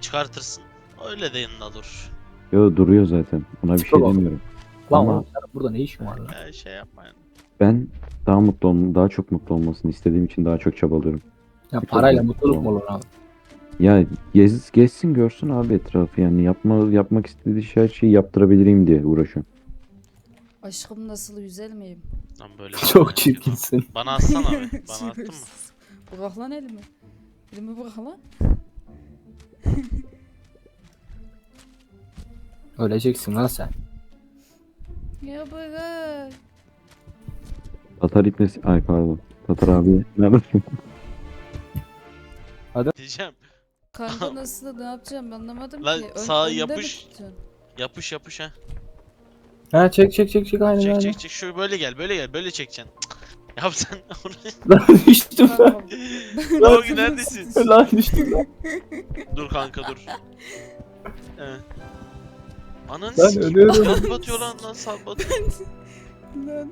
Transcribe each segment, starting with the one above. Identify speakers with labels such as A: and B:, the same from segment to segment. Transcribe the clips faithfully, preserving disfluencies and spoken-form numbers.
A: çıkartırsın. Öyle de yanında dur.
B: Yo duruyor zaten. Ona bir şey
C: Tamam.
B: demiyorum.
C: Lan
B: Ama
C: oğlum senin burada ne işin var lan?
A: Ya şey yapma yani.
B: ben daha mutlu olm daha çok mutlu olmasını istediğim için daha çok çabalıyorum.
C: Ya
B: Bir
C: parayla
B: tabii,
C: mutluluk
B: tamam.
C: mu olur abi?
B: Ya gez, gezsin görsün abi etrafı yani yapma yapmak istediği her şeyi yaptırabileyim diye uğraşıyorum.
D: Aşkım nasıl güzel miyim?
A: Lan böyle
C: Çok çirkinsin.
A: Bana atsana abi. Bana attın mı?
D: Şerefsiz. Bırak lan elimi. Elimi bırak lan.
C: Öleceksin lan sen.
D: Ya bırak.
B: Tatar ipnesi ay pardon. Tatar abi ne yapayım?
A: Diyeceğim.
D: Kanka nasıl ne yapacağım anlamadım
A: Lan
D: ki. Ön-
A: sağa
D: önde mi
A: yapış.
D: tutacaksın?
A: Yapış yapış ha.
C: Ha çek çek çek çek aynen
A: Çek
C: aynen.
A: çek çek. Şöyle böyle gel. Böyle gel. Böyle çekeceksin. Cık. Yap sen onu.
C: Lan düştüm lan.
D: Tamam.
A: Lan Ogi neredesin?
C: Lan düştüm lan.
A: Dur kanka dur. He. Ananı
C: Lan
A: sikeyim.
C: ölüyorum.
A: Sal batıyor lan lan sal batıyor.
D: Lan.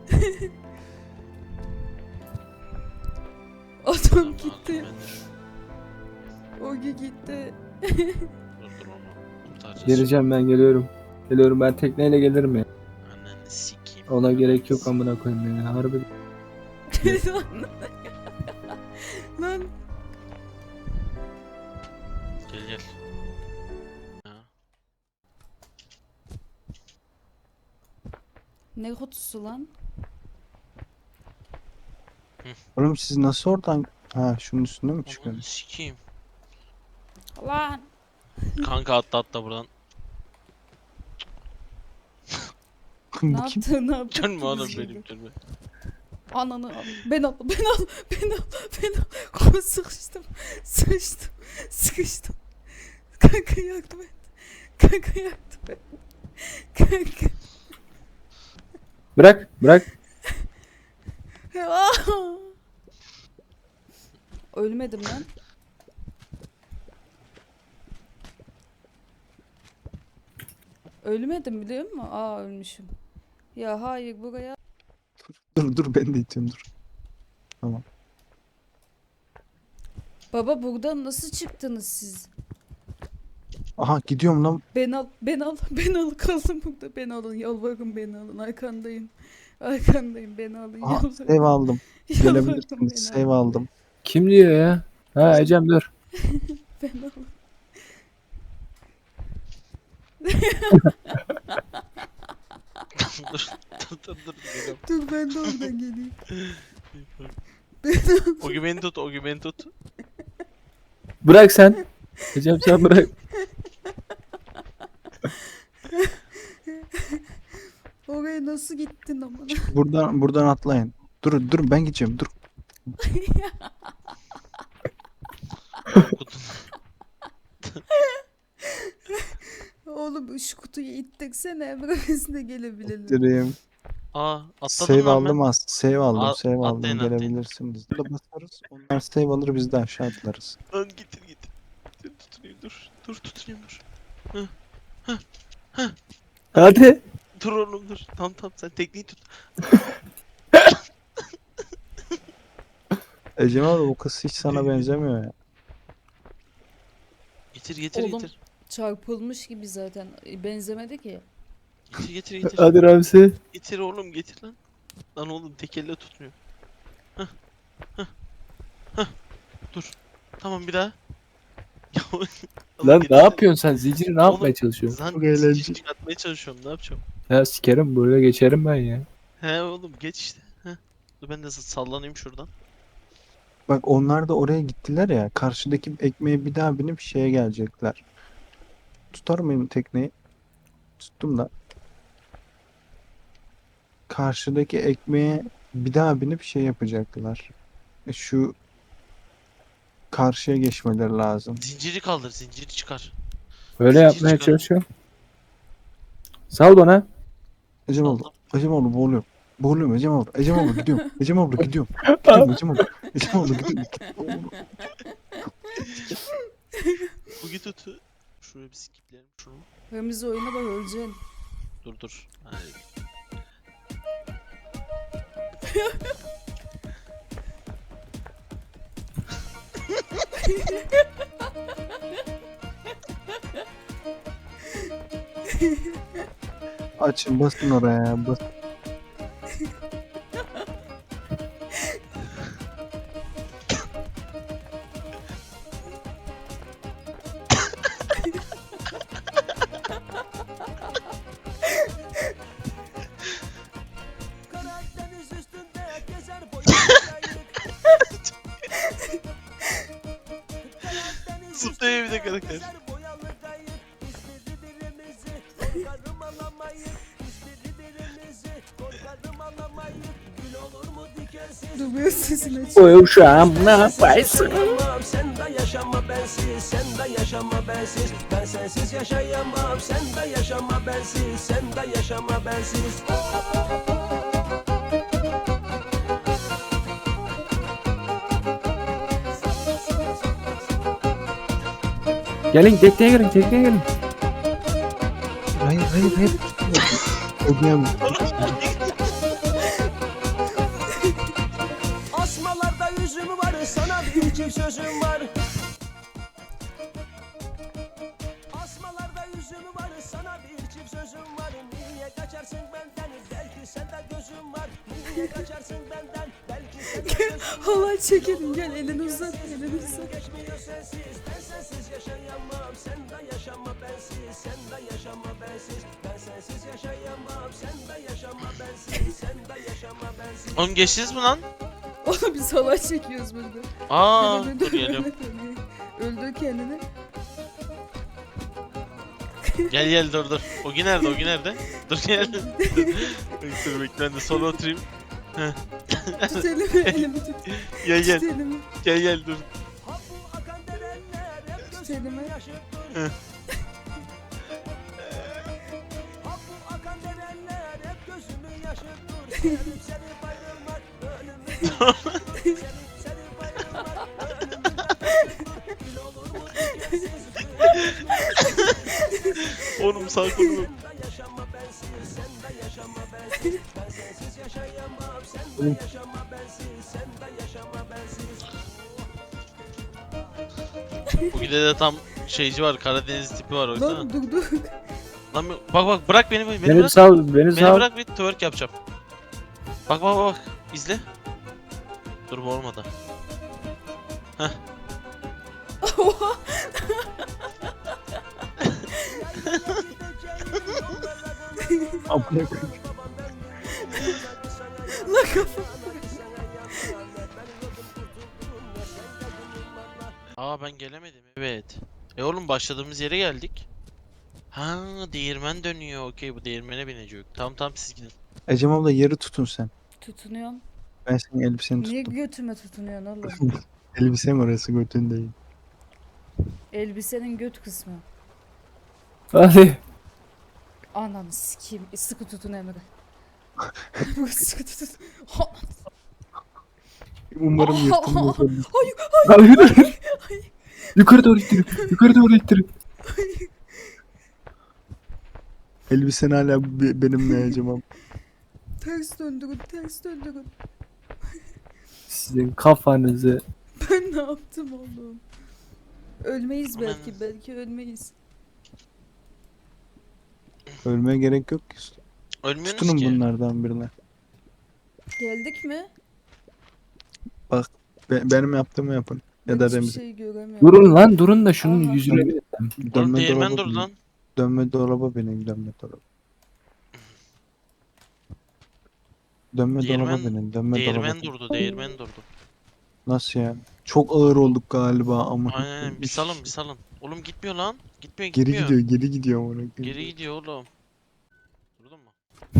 D: Adam
A: Tamam,
D: gitti.
A: ben de-
D: Ogi gitti.
A: Dur dur onu. Kurtaracağız.
C: Geleceğim ben geliyorum. Geliyorum ben tekneyle gelirim ya.
A: Ananı sikeyim.
C: Ona gerek yok amına koyayım ya. Harbi.
D: Lan. Lan.
A: Gel gel. Ha.
D: Ne kutusu lan?
E: Oğlum siz nasıl oradan... Ha şunun üstünde mi
A: Ananı
E: çıkıyorsunuz?
A: sikeyim.
D: Lan.
A: Kanka atla atla buradan.
D: Ne
E: Bu kim?
D: yaptın ne yaptın?
A: Dönme oğlum
D: Bizi
A: benim dönme.
D: Ananı al. Ben al. Ben al. Ben al. Ben al. Kolu sıkıştım. Sıkıştım. Sıkıştım. Kanka yardım et. Kanka yardım et. Kanka.
C: Bırak bırak.
D: Ah! Ölmedim lan. Ölmedim biliyor musun? Aa ölmüşüm. Ya hayır buraya.
E: Dur dur ben de itiyorum dur.
D: Baba buradan nasıl çıktınız siz?
E: Aha gidiyorum lan.
D: Ben al, ben al, ben al kaldım burada. Ben alın, yalvarırım beni alın. Arkandayım. Arkandayım beni alın.
E: Aha
D: Yalvarırım.
E: save aldım.
D: Yalvarırım
E: Gelebilirsiniz.
D: beni
E: Save
D: alın.
E: aldım.
C: Kim diyor ya? Ha Ecem dur.
D: Ben alın.
A: dur dur dur dur. Geliyorum.
D: Dur ben de oradan geleyim.
A: Ogi beni tut, Ogi beni tut.
C: Bırak sen. Ecem sen bırak.
D: Oraya nasıl gittin ama?
E: Buradan buradan atlayın. Dur dur ben gideceğim dur.
D: Oğlum şu kutuyu ittirsene. Bırakasına gelebilelim.
E: Direyim.
A: Aa atladım
E: Save
A: lan ben.
E: aldım az. Save aldım.
A: Al-
E: Save aldım.
A: atlayın, atlayın.
E: Gelebilirsiniz. Da basarız. Onlar save alır biz de aşağı atlarız.
A: Lan getir getir. Dur tutunayım dur. Dur tutunayım dur.
C: Hadi.
A: Dur oğlum dur. Tamam tamam sen tekniği tut.
E: Ecem abi bu kız hiç sana benzemiyor ya.
A: Getir getir
D: Oğlum.
A: getir.
D: Çarpılmış gibi zaten. Benzemedi ki.
A: Getir getir getir.
C: Hadi Ramsi.
A: Getir oğlum getir lan. Lan oğlum tek elle tutmuyor. Hah. Hah. Hah. Dur. Tamam bir daha. Ya, oğlum
C: Lan
A: getir.
C: ne yapıyorsun sen? Zinciri ne yapmaya
A: Oğlum,
C: çalışıyorsun?
A: Lan
E: Çok eğlenceli.
A: zincir çıkartmaya çalışıyorum ne yapacağım?
C: Ya sikerim böyle geçerim ben ya.
A: He oğlum geç işte. Heh. Dur ben de sallanayım şuradan.
E: Bak onlar da oraya gittiler ya. Karşıdaki ekmeğe bir daha binip şeye gelecekler. Tutar mıyım tekneyi? Tuttum da. Karşıdaki ekmeğe bir daha binip şey yapacaklar. E, Şu karşıya geçmeleri lazım.
A: Zinciri kaldır zinciri çıkar.
C: Böyle
A: Zincir
C: yapmaya
A: çıkarın.
C: çalışıyorum. Sal bana.
E: Ecem abla,
A: Saldım.
E: Ecem abla boğuluyorum. Boğuluyorum Ecem abla. Ecem abla gidiyorum. Ecem abla gidiyorum. Gidiyorum Ecem abla. Ecem abla gidiyorum.
A: Bu git tut. Şuraya bir skipleyelim şunu.
D: Remzi oyuna bak öleceksin.
A: Dur dur. Hayır.
E: Açın basın oraya bas.
F: Karadeniz üstünde gezer
A: Zıplıyor bir de karakter.
F: boyalı kayık. Biz birbirimizi korkarım alamayız. Biz birbirimizi korkarım alamayız. Gül olur mu dikensiz?
D: Duruyor sesini aç.
C: O uşağım ne yaparsın?
F: Yaşayamam, sen de yaşama bensiz, sen de yaşama bensiz. Ben sensiz yaşayamam, sen de yaşama bensiz, sen de yaşama bensiz.
C: Gelin tekneye gelin tekneye gelin.
E: Hayır hayır hayır. Ödeyemem.
F: Asmalarda yüzüm var, sana bir çift sözüm var. Asmalarda yüzüm var, sana bir çift sözüm var. Niye kaçarsın benden, belki sende gözüm var. Niye kaçarsın benden, belki sende gözüm var.
D: Halay çekelim gel elini uzat elini uzat.
F: Geçmiyor sensiz, ben sensiz yaşayamam. Sen de yaşama bensiz, sen de yaşama bensiz. Ben sensiz yaşayamam, sen de yaşama bensiz, sen de yaşama bensiz.
A: Oğlum geçtiniz mi lan?
D: Oğlum biz halay çekiyoruz burada.
A: Aa
D: Öldü,
A: dur geliyorum.
D: Öldü kendini.
A: Gel gel dur dur. Ogi nerede? Ogi nerede? Dur gel. dur bekle ben de sola oturayım.
D: Tut elimi elimi tut.
A: Gel gel.
D: Tut elimi.
A: Gel gel dur.
F: Ha bu akan derenler hep
D: Tut
F: gözümü
D: elimi.
F: yaşıttır.
A: Hı.
F: Ha bu akan derenler hep gözümü yaşıttır. Sevip sevip ayrılmak ölümü yaşıttır. Sevip sevip ayrılmak ölümü yaşıttır. Gül olur mu dikensiz gül.
A: Oğlum sağ kolumu.
F: Sen de yaşama bensiz, sen de yaşama bensiz. Ben sensiz yaşayamam, sen de yaşama bensiz, sen de yaşama bensiz.
A: Ogi'de de tam şeyci var. Karadeniz tipi var o yüzden.
D: Lan dur dur.
A: Lan bir- bak bak bırak beni beni
C: Beni
A: bırak.
C: sal beni
A: Beni
C: sal.
A: bırak bir twerk yapacağım. Bak bak bak bak. İzle. Dur bu olmadı.
D: Oha.
E: Amına koyayım.
D: Lan kafam.
A: Aa ben gelemedim. Evet. E oğlum başladığımız yere geldik. Ha değirmen dönüyor. Okey bu değirmene binecek. Tamam tamam siz gidin.
E: Ecem abla yeri tutun sen.
D: Tutunuyorum.
E: Ben senin elbiseni
D: Niye
E: tuttum.
D: götüme tutunuyorsun oğlum?
E: Elbisem orası götün değil.
D: Elbisenin göt kısmı.
C: Hadi.
D: Ananı sikeyim. Sıkı tutun Emre. Bu sıkı tutun. Ha,
E: Umarım yırtılmaz.
D: Hayır.
C: Hayır. Yukarı doğru ittirin. Yukarı doğru ittirin.
E: Elbisen hala be- benimle Ecem abla.
D: Ters döndürün. Ters döndürün.
C: Sizin kafanızı.
D: Ben ne yaptım oğlum? Ölmeyiz
A: Aman.
D: belki. Belki ölmeyiz.
E: Ölmeye gerek yok ki.
A: Ölmüyorsunuz
E: Tutunun
A: ki.
E: bunlardan birine.
D: Geldik mi?
E: Be- benim yaptığımı yapın. Ya
D: Ben
E: da
D: hiçbir
E: Remzi.
D: şey göremiyorum.
C: Durun lan durun da şunun
D: Aha.
C: yüzüne bir.
A: Oğlum
E: Dönme
A: değirmen
E: dolaba
A: dur
E: binin.
A: lan.
E: Dönme dolaba binin. Dönme dolaba. Dönme dolaba
A: Değirmen-
E: binin. Dönme dolaba.
A: Değirmen durdu. Değirmen durdu.
E: Nasıl ya? Çok ağır olduk galiba ama.
A: Aynen bir salın bir salın. Oğlum gitmiyor lan. Gitmiyor
E: Geri
A: gitmiyor.
E: gidiyor, geri gidiyor amına koyayım.
A: Geri gidiyor oğlum. Durdun mu?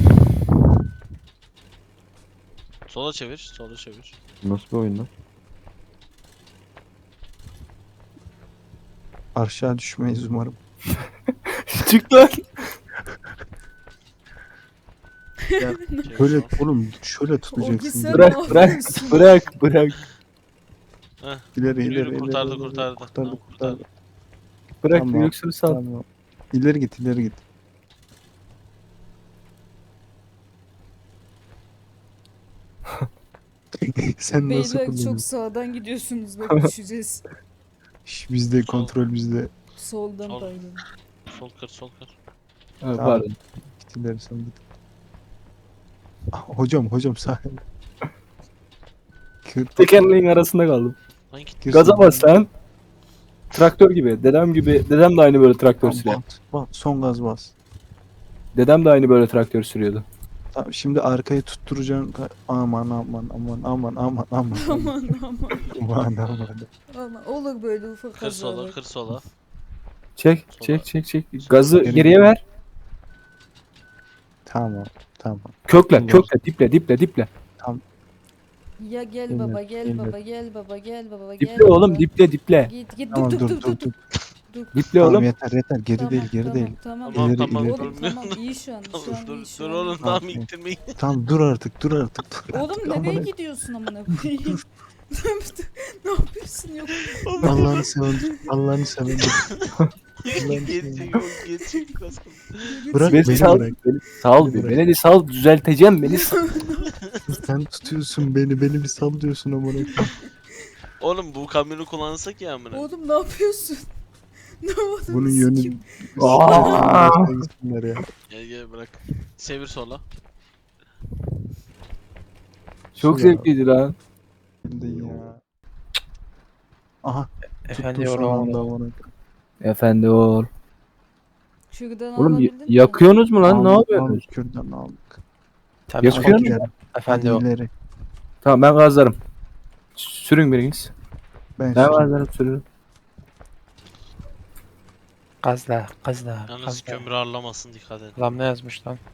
A: Sola çevir, sola çevir.
B: Nasıl bir oyun lan?
E: Aşağı düşmeyiz umarım.
C: Çık lan.
A: Çevir
E: Şöyle
A: sola.
E: oğlum şöyle
D: Ogi
E: tutacaksın.
D: sen
E: Bırak,
C: Bırak
D: ne
C: bırak
D: yapıyorsun?
C: bırak bırak.
E: ileri
A: Yürü,
E: ileri
A: yürü,
E: ileri.
A: kurtardı,
E: ileri,
A: kurtardı.
E: Kurtardı
A: Tamam,
E: kurtardı.
A: kurtardı.
C: Bırak
E: Tamam.
C: yoksa sal.
E: Tamam. İleri git ileri git. Sen nasıl
D: Beyler çok
E: kullanıyorsun?
D: sağdan gidiyorsunuz. Bak düşeceğiz.
E: Şş, bizde kontrol bizde.
D: Soldan
A: Sol.
D: pardon.
A: Sol kır, sol kır.
C: Ha,
E: Tamam.
C: pardon.
E: Gittiler sandım. Ah, hocam hocam sakin. Kır,
C: Tekerleğin arasında kaldım.
A: Lan git.
E: kır
C: Gaza
E: sen.
C: bas lan. Traktör gibi. Dedem gibi. Dedem de aynı böyle traktör
E: Tamam,
C: sürüyor.
E: bas, bas, son gaz bas.
C: Dedem de aynı böyle traktör sürüyordu.
E: Tamam, şimdi arkayı tutturacaksın. Aman aman aman aman aman aman aman
D: Aman aman.
E: aman aman.
D: Aman olur böyle ufak
A: Kır sola
D: kazalar.
A: kır sola.
C: Çek,
A: Sola.
C: çek, çek, çek. Gazı
E: Geri
C: geriye
E: gel.
C: ver.
E: Tamam tamam.
C: Kökle,
E: Olur.
C: kökle, diple, diple, diple.
D: Ya gel
E: Gelir,
D: baba gel
E: gelir.
D: baba gel baba gel baba gel
C: Diple oğlum,
D: baba.
C: diple, diple.
D: Git git
E: Tamam
D: dur
E: dur
D: dur
E: dur
D: dur
E: dur.
D: dur.
C: Diple
E: Tamam
C: oğlum.
E: yeter yeter geri
D: Tamam,
E: değil geri
D: tamam,
E: değil.
D: Tamam
A: Tamam
E: İleri,
A: tamam.
E: ileri.
D: Oğlum
A: durmuyor.
D: tamam iyi şu an
A: Tamam,
D: şu an
A: dur
D: iyi şu
A: dur
D: an.
A: oğlum
D: iyi.
A: tamam
E: Tamam.
A: ittirmeyin.
E: Tamam dur artık dur artık. Dur
D: Oğlum
E: artık.
D: nereye
E: Aman-
D: gidiyorsun amına koyayım? Ne yapıyorsun yok?
E: Allah'ını seven Allah'ını seven.
A: Geçecek yok geçecek az kaldı.
E: Bırak
C: Beni
E: beni
C: sal,
E: bırak.
C: beni sal
E: Beni
C: bir.
E: bırak.
C: Beni bir sal, düzelteceğim beni sal.
E: Sen tutuyorsun beni beni bir sal diyorsun amına koyayım.
A: Oğlum bu kamyonu kullansak ya amına.
D: Oğlum ne yapıyorsun? Ne yapıyorsun?
E: Bunun yönü
D: Sikim.
C: Aa!
E: Başka gitsinler ya.
A: Gel gel bırak. Çevir sola.
C: Çok
E: Şu ya.
C: zevkliydi lan.
E: Şimdi ya. Aha
G: Efendim
E: tuttum son
G: oğlum.
E: anda amına koyayım.
C: Efendi ol.
D: Şuradan
C: Oğlum y-
D: alabildin mi?
C: yakıyorsunuz mu lan? Ne
E: Aldık,
C: yapıyorsunuz?
E: aldık, Kürdan aldık.
G: Tabii
C: Yakıyor
G: çok
C: musun?
G: güzel.
E: İleri,
G: Efendi
E: hadi
G: o.
E: ileri.
C: Tamam ben gazlarım. Sürün biriniz.
E: Ben
C: Ben
E: şimdi-
C: gazlarım sürün.
G: Gazla, gazla,
A: Yalnız
G: gazla.
A: kömür ağırlamasın dikkat et.
G: Lan ne yazmış lan?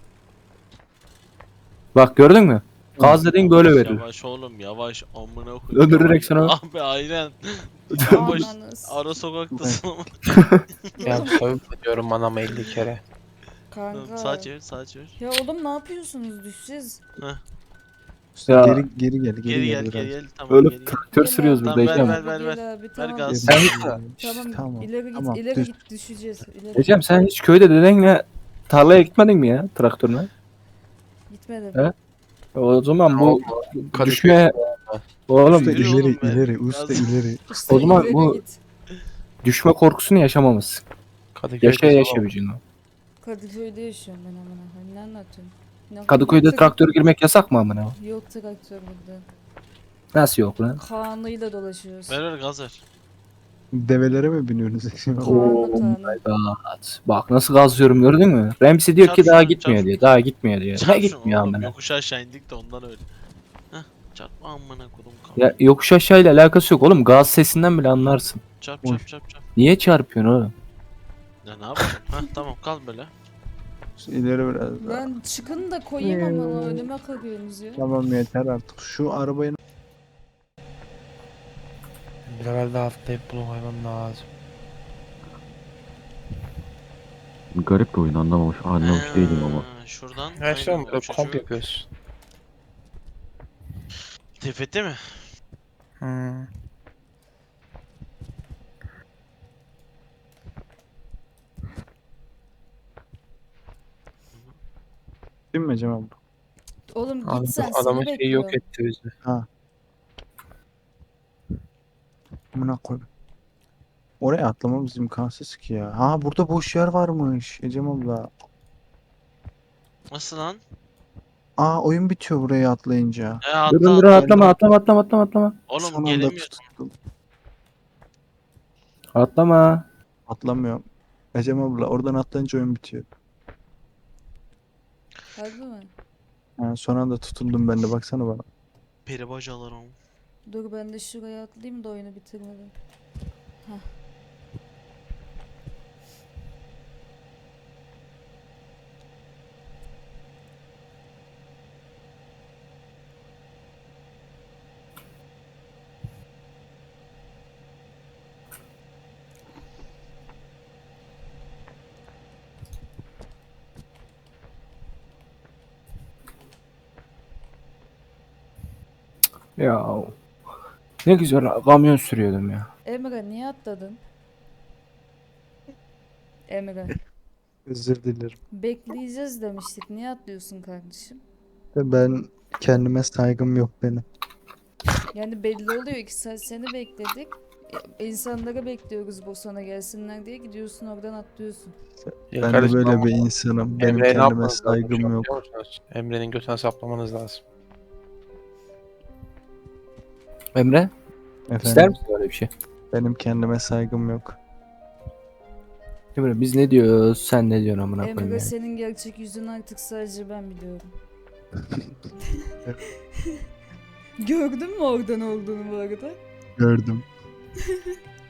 C: Bak gördün mü? Gaz dediğin böyle verir.
A: Yavaş oğlum yavaş amına koyayım.
C: Döndürerek
A: Yavaş.
C: sana.
A: Abi aynen.
D: Ananı
A: Yavaş.
D: s-
A: Ara sokaktasın ama.
G: Ya soyup diyorum anama elli kere.
D: Kanka.
A: Sağ çevir sağ çevir.
D: Ya oğlum ne yapıyorsunuz düşeceğiz?
C: Ya.
E: Geri geri gel geri,
A: Geri gel
E: biraz.
A: geri gel. Tamam
C: Öyle
A: geri gel.
C: traktör sürüyoruz
A: Tamam,
C: burada
A: ver,
C: Ecem.
A: ver, ver, ver.
D: Gel abi,
A: Ver
D: tamam.
A: gaz.
C: Sen
D: Tamam,
E: Tamam,
D: ileri git
E: tamam,
D: ileri
E: düş.
D: git düşeceğiz. İleri
C: Ecem sen hiç köyde dedenle tarlaya gitmedin mi ya traktörle?
D: gitmedim.
C: Evet. O zaman bu
G: Kadıköy-
C: düşme oğlum
E: Usta
A: Yürü
C: düş-
E: ileri
A: oğlum be.
E: ileri usta
A: Biraz-
E: ileri.
D: İşte
C: O zaman
D: ileri
C: bu-
D: git.
C: düşme korkusunu yaşamamışsın.
G: Kadıköy'de
C: Yaşa
G: zor.
C: yaşa bir
D: Kadıköy'de yaşıyorum ben amına koyayım. Ne anlatıyorsun? Ne-
C: Kadıköy'de
D: yok tra-
C: traktör girmek yasak mı amına?
D: Yok traktör burada.
C: Nasıl yok lan?
D: Kaan'ıyla dolaşıyoruz.
A: Ver ver gaz ver.
E: Develere mi biniyorsunuz?
D: Kaan'la Kaan'la.
C: God. Bak nasıl gazlıyorum gördün mü? Ramsey diyor ki
A: Çarp
C: daha
A: şunu,
C: gitmiyor
A: çarp.
C: diyor. Daha gitmiyor diyor. Ne
A: Çarp şunu
C: gitmiyor
A: oğlum,
C: amına?
A: yokuş aşağı indik de ondan öyle. Heh çarpma amına kodum kaldı.
C: Ya yokuş aşağıyla alakası yok oğlum. Gaz sesinden bile anlarsın.
A: Çarp
E: Oy.
A: çarp çarp çarp.
C: Niye çarpıyorsun oğlum?
A: Ya ne yapayım? Heh tamam kal böyle.
E: İleri biraz daha.
D: Ben çıkın da koyayım ama önüme kalıyorsunuz ya.
E: Tamam yeter artık. Şu arabayı
G: Bir level daha atlayıp bunu koymam lazım.
B: Garip bir oyun anlamamış. Anlamış değilim ama.
A: Ha, Şuradan.
G: Her şey
A: aynen,
G: böyle
A: çocuğu-
G: komp yapıyoruz.
A: Tepete mi?
G: Hmm.
E: değil mi Cem abi?
D: Oğlum
G: Adam,
D: git sen
G: adamın
D: seni
G: şeyi yok
D: bekliyorum.
G: etti bizi.
E: Amına koyayım. Oraya atlamamız imkansız ki ya. Ha burada boş yer varmış Ecem abla.
A: Nasıl lan?
E: Aa oyun bitiyor buraya atlayınca.
A: E atla
C: Durun durun
A: atla.
C: atlama atlama atlama atlama atlama.
A: Oğlum
E: Son anda
A: gelemiyor.
E: tuttum.
C: Atlama.
E: Atlamıyorum. Ecem abla oradan atlayınca oyun bitiyor.
D: Harbi mi?
E: Ha, son anda tutundum ben de baksana bana.
A: Peri bacalarım.
D: Dur ben de şuraya atlayayım da oyunu bitirmeden.
C: Ya ne güzel kamyon sürüyordum ya.
D: Emre niye atladın? Emre.
E: Özür dilerim.
D: Bekleyeceğiz demiştik. Niye atlıyorsun kardeşim?
E: Ben kendime saygım yok benim.
D: Yani belli oluyor ki sen seni bekledik. İnsanları bekliyoruz Bosan'a gelsinler diye gidiyorsun oradan atlıyorsun.
G: Ya
E: Ben de
G: kardeşim
E: böyle
G: ama
E: bir insanım. Benim
G: Emre'ye ne
E: kendime
G: yapmanız lazım şu
E: saygım
G: an
E: yok.
G: biliyor musunuz? Emre'nin götüne saplamanız lazım.
C: Emre ister
E: Efendim,
C: misin öyle bir şey?
E: benim kendime saygım yok.
C: Emre biz ne diyoruz sen ne diyorsun amına koyayım
D: Emre
C: yani.
D: senin gerçek yüzünü artık sadece ben biliyorum. Gördün mü oradan olduğunu bu arada?
E: Gördüm.